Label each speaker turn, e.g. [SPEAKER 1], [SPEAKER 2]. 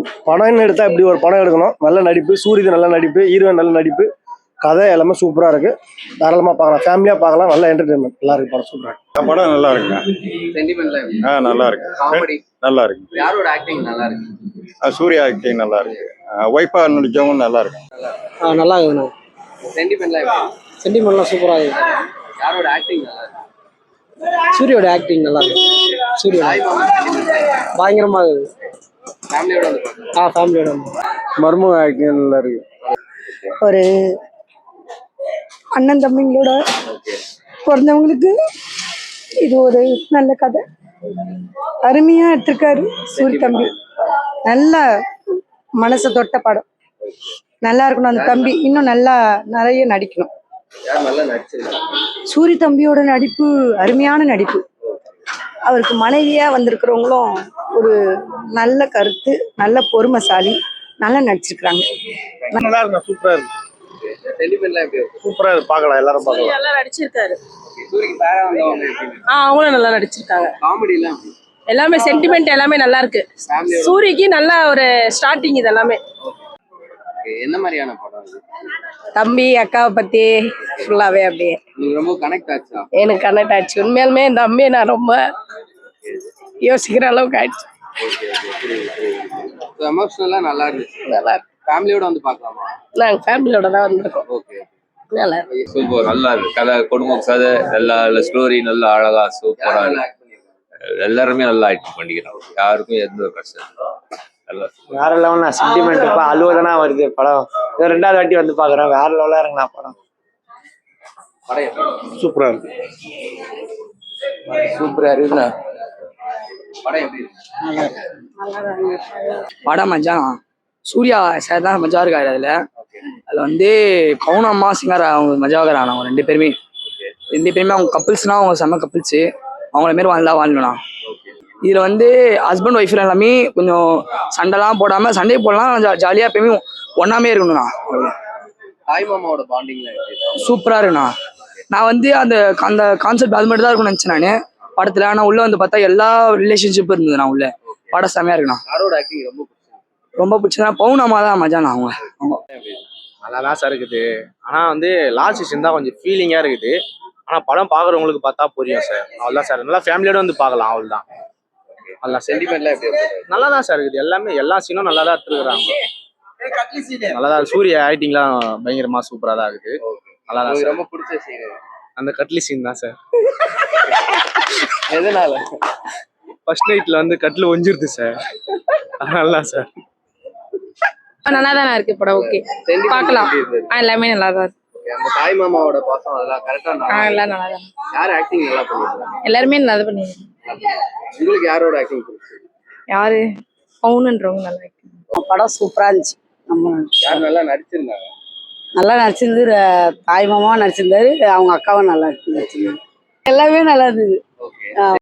[SPEAKER 1] படம்னு எடுத்தா இப்படி ஒரு படம் எடுக்கணும். நல்ல நடிப்பு, சூரியது நல்ல நடிப்பு, ஹீரோயின் நல்ல நடிப்பு, கதை எல்லாமே சூப்பரா இருக்கு. தாராளமா பார்க்கலாம், ஃபேமிலியா பார்க்கலாம். நல்ல என்டர்டைன்மெண்ட், நல்லா இருக்கு படம், சூப்பரா இருக்கு.
[SPEAKER 2] படம் நல்லா இருக்குங்க.
[SPEAKER 3] சென்டிமெண்ட்ல
[SPEAKER 2] நல்லா இருக்கு.
[SPEAKER 3] காமெடி
[SPEAKER 2] நல்லா இருக்கு.
[SPEAKER 3] யாரோட ஆக்டிங் நல்லா இருக்கு?
[SPEAKER 2] சூர்யா ஆக்டிங் நல்லா இருக்கு. ஒய்ஃபா நடிச்சவங்க நல்லா இருக்கு.
[SPEAKER 1] நல்லா இருக்குண்ணா.
[SPEAKER 3] சென்டிமெண்ட்ல
[SPEAKER 1] சென்டிமெண்ட்லாம் சூப்பரா இருக்கு.
[SPEAKER 3] யாரோட ஆக்டிங் நல்லா இருக்கு?
[SPEAKER 1] சூரியோட ஆக்டிங் நல்லா இருக்கு. சூர்யா பயங்கரமா இருக்குது.
[SPEAKER 3] ஃபேமிலியோட வந்து பார்க்கலாம்.
[SPEAKER 1] ஃபேமிலியோட மர்ம ஆக்டிங் நல்லா இருக்கு.
[SPEAKER 4] ஒரு அண்ணன் தம்பிங்களோட பிறந்தவங்களுக்கு இது ஒரு நல்ல கதை, அருமையா எடுத்திருக்காரு சூரிய தம்பி. நல்ல மனசை தொட்ட படம், நல்லா இருக்கணும். அந்த தம்பி இன்னும் நல்லா நிறைய நடிக்கணும்.
[SPEAKER 3] யார் நல்லா நடிச்சிருக்காங்க?
[SPEAKER 4] சூரிய தம்பியோட நடிப்பு அருமையான நடிப்பு. அவருக்கு மனைவியா வந்திருக்கிறவங்களும் ஒரு நல்ல கருத்து, நல்ல பொறுமைசாலி, நல்லா நடிச்சிருக்கிறாங்க.
[SPEAKER 1] நல்லா இருக்கு, சூப்பரா இருக்கு.
[SPEAKER 3] சென்டிமெண்ட்ல எப்படி இருக்கு?
[SPEAKER 1] சூப்பரா இருக்கு, பார்க்கலாம், எல்லாரும் பார்க்கலாம்.
[SPEAKER 5] நல்லா நடிச்சிருக்காரு.
[SPEAKER 3] சூரியக்கு பேரா வந்தவங்க எப்படி?
[SPEAKER 5] அவங்களும் நல்லா நடிச்சிருக்காங்க.
[SPEAKER 3] காமெடி எல்லாம் எப்படி?
[SPEAKER 5] எல்லாமே சென்டிமெண்ட் எல்லாமே நல்லா இருக்கு. சூரியக்கு நல்ல ஒரு ஸ்டார்டிங் இது எல்லாமே.
[SPEAKER 3] என்ன மாதிரியான படம் இது?
[SPEAKER 5] தம்பி அக்காவை பத்தி ஃபுல்லாவே அப்படியே
[SPEAKER 3] உங்களுக்கு ரொம்ப கனெக்ட் ஆச்சா?
[SPEAKER 5] எனக்கு கனெக்ட் ஆச்சு. உண்மையாலுமே இந்த தம்பியை நான் ரொம்ப யோசிக்கிற அளவுக்கு ஆயிடுச்சு.
[SPEAKER 3] எமோஷனலா நல்லா இருந்துச்சு.
[SPEAKER 5] நல்லா இருக்கு.
[SPEAKER 3] ஃபேமிலியோட வந்து பார்க்கலாமா?
[SPEAKER 5] நாங்க ஃபேமிலியோட தான் வந்திருக்கோம்.
[SPEAKER 3] ஓகே.
[SPEAKER 5] நல்லா இருக்கு.
[SPEAKER 6] சூப்பர், நல்லா இருக்கு. கதை, குடும்பம் கதை, நல்லா ஸ்டோரி, நல்லா அழகா சூப்பரா இருக்கு. எல்லாருமே நல்லா ஆக்ட் பண்ணிக்கிறாங்க. யாருக்கும் எந்த ஒரு பிரச்சனை நல்லா
[SPEAKER 1] வேற லெவல்னா சென்டிமெண்ட். இப்போ அழுவதானா வருது படம். இது 2வது வாட்டி வந்து பாக்குறேன். வேற லெவலா இருக்குண்ணா படம்.
[SPEAKER 3] படம்
[SPEAKER 1] சூப்பரா இருக்கு.
[SPEAKER 3] சூப்பரா இருக்குண்ணா. படம் எப்படி இருக்கு?
[SPEAKER 7] படம் மச்சான் சூர்யா சார் தான் மஜா இருக்காரு. அதுல வந்து பவுனம்மா சிங்கர் அவங்க மஜாகர் ஆனவங்க 2 பேருமே. 2 பேருமே அவங்க கப்பிள்ஸ்னா அவங்க செம்ம கப்பிள்ஸ். அவங்கள மாரி வாழ்ந்தா வாழலாம். இதுல வந்து ஹஸ்பண்ட் ஒய்ஃப் எல்லாமே கொஞ்சம் சண்டைலாம் போடாம, சண்டை போடலாம், ஜாலியா எப்பயுமே ஒன்னாமே இருக்கணும்ண்ணா.
[SPEAKER 3] தாய் மாமாவோட பாண்டிங்ல
[SPEAKER 7] சூப்பரா இருக்குண்ணா. நான் வந்து அந்த அந்த கான்செப்ட் அது மட்டும் தான் இருக்கும்னு நினைச்சேன் நான் படத்துல. ஆனா உள்ள வந்து பார்த்தா எல்லா ரிலேஷன்ஷிப்பும் இருந்தது. நான் உள்ள படம் செமையா இருக்குண்ணா.
[SPEAKER 3] யாரோட ஆக்டிங் ரொம்ப பிடிச்சது?
[SPEAKER 7] ரொம்ப பிடிச்சதா பவுனம்மா தான் மஜாண்ணா. அவங்க
[SPEAKER 8] நல்லா தான் சார் இருக்குது. ஆனால் வந்து லாஸ்ட் சீன் தான் கொஞ்சம் ஃபீலிங்காக இருக்குது. ஆனால் படம் பார்க்குறவங்களுக்கு பார்த்தா புரியும் சார். அவ்வளோதான் சார். நல்லா ஃபேமிலியோட வந்து பார்க்கலாம், அவ்வளோதான். நல்லா
[SPEAKER 3] சென்டிமெண்ட்லாம் எப்படி இருக்கு?
[SPEAKER 8] நல்லா தான் சார் இருக்குது. எல்லாமே எல்லா சீனும் நல்லா தான் எடுத்துருக்குறாங்க. நல்லா தான். சூரிய ஆக்டிங்லாம் பயங்கரமாக சூப்பராக தான் இருக்குது. நல்லா தான் சார்.
[SPEAKER 3] ரொம்ப பிடிச்ச சீன்
[SPEAKER 8] அந்த கட்லி சீன் தான் சார்.
[SPEAKER 3] எதனால?
[SPEAKER 8] ஃபர்ஸ்ட் நைட்டில் வந்து கட்டில் ஒஞ்சிருது சார். நல்லா சார்.
[SPEAKER 5] நல்லா தானே இருக்கு படம். ஓகே, பார்க்கலாம். எல்லாமே நல்லா தான் இருக்கு.
[SPEAKER 3] அந்த தாய் மாமாவோட பாசம் அதெல்லாம் கரெக்டா
[SPEAKER 5] எல்லாம் நல்லா தான்.
[SPEAKER 3] யார் ஆக்டிங் நல்லா பண்ணிருக்காங்க?
[SPEAKER 5] எல்லாருமே நல்லா பண்ணிருக்காங்க.
[SPEAKER 3] உங்களுக்கு யாரோட ஆக்டிங் பிடிச்சது?
[SPEAKER 5] யாரு? பவுனன்றவங்க நல்லா இருக்கு.
[SPEAKER 4] படம் சூப்பரா இருந்துச்சு.
[SPEAKER 3] யார் நல்லா நடிச்சிருந்தாங்க?
[SPEAKER 4] நல்லா நடிச்சிருந்து. தாய் மாமாவும் நடிச்சிருந்தாரு, அவங்க அக்காவும் நல்லா நடிச்சிருந்தாரு. எல்லாமே நல்லா இருந்தது.
[SPEAKER 3] ஓகே.